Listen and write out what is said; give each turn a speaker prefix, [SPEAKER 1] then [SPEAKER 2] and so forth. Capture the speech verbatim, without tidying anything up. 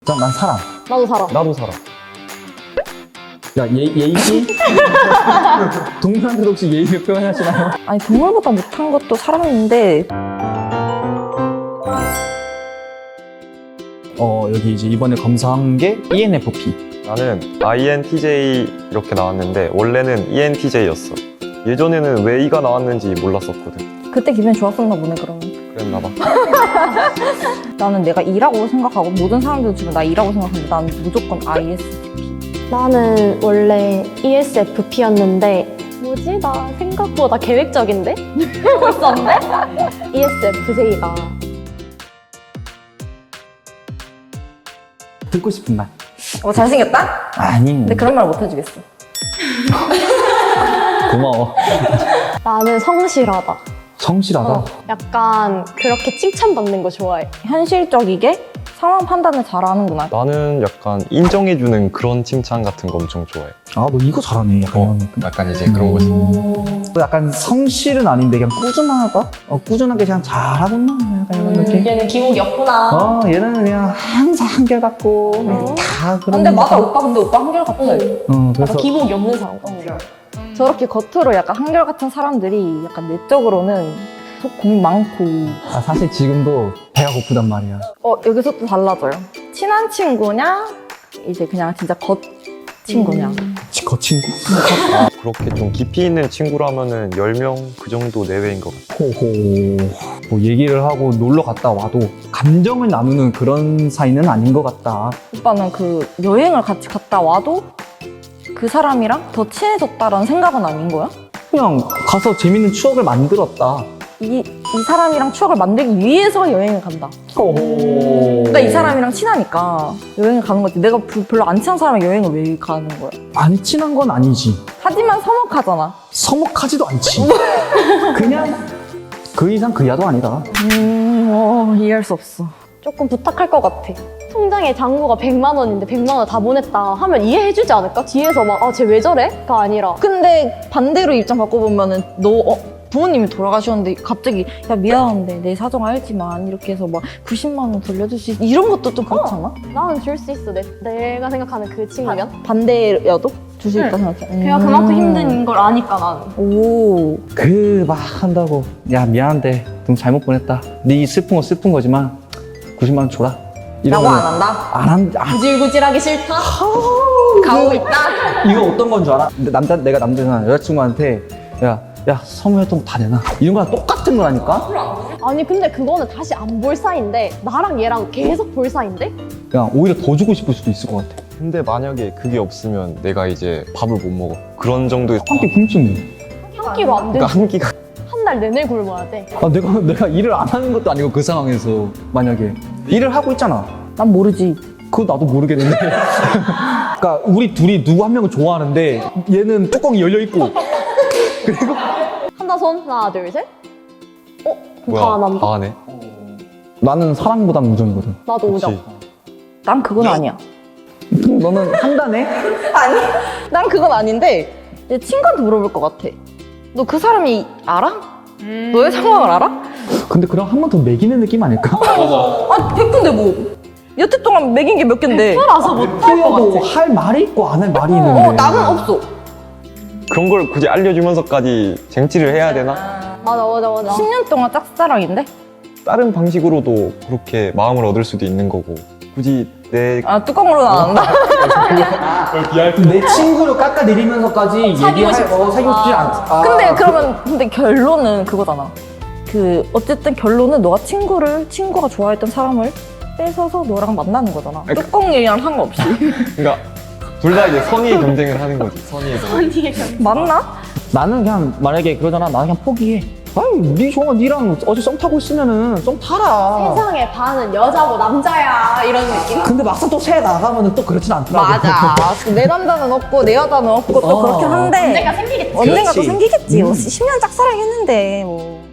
[SPEAKER 1] 난, 난 사람.
[SPEAKER 2] 나도 살아.
[SPEAKER 3] 나도 살아.
[SPEAKER 1] 야, 예, 예의? 동물한테도 혹시 예의를 표현하시나요?
[SPEAKER 4] 아니 동물보다 못한 것도 사람인데
[SPEAKER 1] 어, 여기 이제 이번에 검사한 게 이엔에프피.
[SPEAKER 3] 나는 아이엔티제이 이렇게 나왔는데 원래는 이엔티제이였어. 예전에는 왜 이가 나왔는지 몰랐었거든.
[SPEAKER 4] 그때 기분이 좋았었나 보네 그러면.
[SPEAKER 3] 그랬나 봐.
[SPEAKER 4] 나는 내가 E라고 생각하고 모든 사람들 주면 나 E라고 생각하는데 난 무조건 아이에스티피.
[SPEAKER 2] 나는 원래 이에스에프피였는데 뭐지? 나 생각보다 계획적인데? 이러고 있었는데? 이에스에프제이가
[SPEAKER 1] 듣고 싶은 말.
[SPEAKER 4] 어 잘생겼다?
[SPEAKER 1] 아니.
[SPEAKER 4] 근데 그런 말 못 해주겠어.
[SPEAKER 1] 고마워.
[SPEAKER 2] 나는 성실하다.
[SPEAKER 1] 성실하다.
[SPEAKER 2] 어, 약간 그렇게 칭찬받는 거 좋아해.
[SPEAKER 4] 현실적이게 상황 판단을 잘하는구나.
[SPEAKER 3] 나는 약간 인정해주는 그런 칭찬 같은 거 엄청 좋아해.
[SPEAKER 1] 아, 너 이거 잘하네. 약간 이런 느낌.
[SPEAKER 3] 약간 이제 그런 거지.
[SPEAKER 1] 또 약간 성실은 아닌데 그냥 꾸준하다? 어, 꾸준하게 그냥 잘하구나. 약간 이런 느낌.
[SPEAKER 2] 얘는 기복이 없구나.
[SPEAKER 1] 어, 얘는 그냥 항상 한결같고 그냥 다 그런.
[SPEAKER 4] 근데 맞아 오빠 근데 오빠 한결같아.
[SPEAKER 1] 어, 그래서
[SPEAKER 2] 약간 기복이 없는 사람.
[SPEAKER 4] 저렇게 겉으로 약간 한결같은 사람들이 약간 내적으로는 속 고민 많고.
[SPEAKER 1] 아, 사실 지금도 배가 고프단 말이야.
[SPEAKER 4] 어 여기서 또 달라져요. 친한 친구냐 이제 그냥 진짜 겉 친구냐.
[SPEAKER 1] 지- 거친구?
[SPEAKER 3] 아, 그렇게 좀 깊이 있는 친구라면은 열 명 그 정도 내외인 것 같아.
[SPEAKER 1] 호호. 뭐 얘기를 하고 놀러 갔다 와도 감정을 나누는 그런 사이는 아닌 것 같다.
[SPEAKER 4] 오빠는 그 여행을 같이 갔다 와도 그 사람이랑 더 친해졌다라는 생각은 아닌 거야?
[SPEAKER 1] 그냥 가서 재밌는 추억을 만들었다.
[SPEAKER 4] 이, 이 사람이랑 추억을 만들기 위해서 여행을 간다.
[SPEAKER 1] 호호.
[SPEAKER 4] 그러니까 이 사람이랑 친하니까 여행을 가는 거지. 내가 부- 별로 안 친한 사람이랑 여행을 왜 가는 거야?
[SPEAKER 1] 안 친한 건 아니지.
[SPEAKER 4] 하지만 서먹하잖아.
[SPEAKER 1] 서먹하지도 않지. 그냥 그 이상 그 이하도 아니다.
[SPEAKER 4] 음, 어, 이해할 수 없어.
[SPEAKER 2] 조금 부탁할 것 같아. 통장에 잔고가 백만 원인데 백만 원 다 보냈다 하면 이해해주지 않을까? 뒤에서 막 아 쟤 왜 저래? 가 아니라
[SPEAKER 4] 근데 반대로 입장 바꿔보면은 너 어, 부모님이 돌아가셨는데 갑자기 야 미안한데 내 사정 알지만 이렇게 해서 막 구십만 원 돌려줄 수 있어 이런 것도 좀 그렇잖아?
[SPEAKER 2] 나는 줄 수 있어. 내, 내가 생각하는 그 친구면.
[SPEAKER 4] 반대여도 줄 수 있다 생각해.
[SPEAKER 2] 걔가 그만큼 힘든 걸 아니까 나는.
[SPEAKER 4] 오.
[SPEAKER 1] 그 막 한다고 야 미안한데 좀 잘못 보냈다. 네 슬픈 거 슬픈 거지만 구십만 원 줘라.
[SPEAKER 4] 라고 안 한다?
[SPEAKER 1] 안 한. 아,
[SPEAKER 2] 구질구질하기 싫다?
[SPEAKER 4] 가고 있다?
[SPEAKER 1] 이거 어떤 건 줄 알아? 근데 남자 내가 남자잖아. 여자친구한테 야. 야 선물했던 거 다 내놔. 이런 거랑 똑같은 거라니까?
[SPEAKER 2] 아니 근데 그거는 다시 안 볼 사이인데 나랑 얘랑 계속 볼 사이인데?
[SPEAKER 1] 그냥 오히려 더 주고 싶을 수도 있을 것 같아.
[SPEAKER 3] 근데 만약에 그게 없으면 내가 이제 밥을 못 먹어. 그런 정도의
[SPEAKER 1] 한 끼 굶주네.
[SPEAKER 2] 한 끼로 안 되지.
[SPEAKER 3] 그러니까 한 끼가
[SPEAKER 2] 한 달 내내 굶어야 돼.
[SPEAKER 1] 아 내가 내가 일을 안 하는 것도 아니고 그 상황에서 만약에 일을 하고 있잖아.
[SPEAKER 4] 난 모르지.
[SPEAKER 1] 그거 나도 모르겠는데. 그러니까 우리 둘이 누구 한 명을 좋아하는데 얘는 뚜껑이 열려 있고 그리고
[SPEAKER 2] 한다 손 하나 둘 셋. 어? 그럼
[SPEAKER 3] 뭐야?
[SPEAKER 2] 다 안 한다?
[SPEAKER 3] 다 하네.
[SPEAKER 1] 나는 사랑보단 우정이거든.
[SPEAKER 2] 나도 우정.
[SPEAKER 3] 그치.
[SPEAKER 4] 난 그건 아니야.
[SPEAKER 1] 너는 한다네?
[SPEAKER 4] 아니, 난 그건 아닌데 내 친구한테 물어볼 것 같아. 너 그 사람이 알아? 너의 상황을 알아?
[SPEAKER 1] 근데 그럼 한 번 더 매기는 느낌 아닐까?
[SPEAKER 4] 아, 백 분데 뭐. 여태 동안 먹인 게 몇 갠데.
[SPEAKER 2] 알아서 못할 것
[SPEAKER 1] 뭐
[SPEAKER 2] 같아.
[SPEAKER 1] 할 말이 있고 안 할 말이 있는데.
[SPEAKER 4] 어, 나는 없어.
[SPEAKER 3] 그런 걸 굳이 알려주면서까지 쟁취를 해야 되나?
[SPEAKER 2] 맞아 맞아 맞아.
[SPEAKER 4] 십 년 동안 짝사랑인데?
[SPEAKER 3] 다른 방식으로도 그렇게 마음을 얻을 수도 있는 거고 굳이 내
[SPEAKER 4] 아, 뚜껑으로는 안 한다.
[SPEAKER 1] 내 친구를 깎아내리면서까지 얘기할 거 사귀고 싶지 않아. 아,
[SPEAKER 4] 근데 그러면, 근데 결론은 그거잖아. 그, 어쨌든 결론은 너가 친구를, 친구가 좋아했던 사람을 뺏어서 너랑 만나는 거잖아. 뚜껑 얘기랑 상관없이.
[SPEAKER 3] 그러니까 둘 다 이제 선의의 경쟁을 하는 거지. 선의의 경쟁.
[SPEAKER 4] 맞나?
[SPEAKER 1] 나는 그냥 만약에 그러잖아. 나는 그냥 포기해. 아유, 네 좋아. 니랑 어제 썸 타고 있으면은 썸 타라.
[SPEAKER 2] 세상의 반은 여자고 남자야 이런 느낌?
[SPEAKER 1] 근데 막상 또 새 나가면은 또 그렇진 않더라고.
[SPEAKER 4] 맞아. 내 남자는 없고, 내 여자는 없고, 또
[SPEAKER 1] 어.
[SPEAKER 4] 그렇긴 한데.
[SPEAKER 2] 언젠가 생기겠지.
[SPEAKER 4] 언젠가 또
[SPEAKER 1] 그렇지.
[SPEAKER 4] 생기겠지. 뭐
[SPEAKER 1] 음.
[SPEAKER 4] 십 년 짝사랑 했는데, 뭐.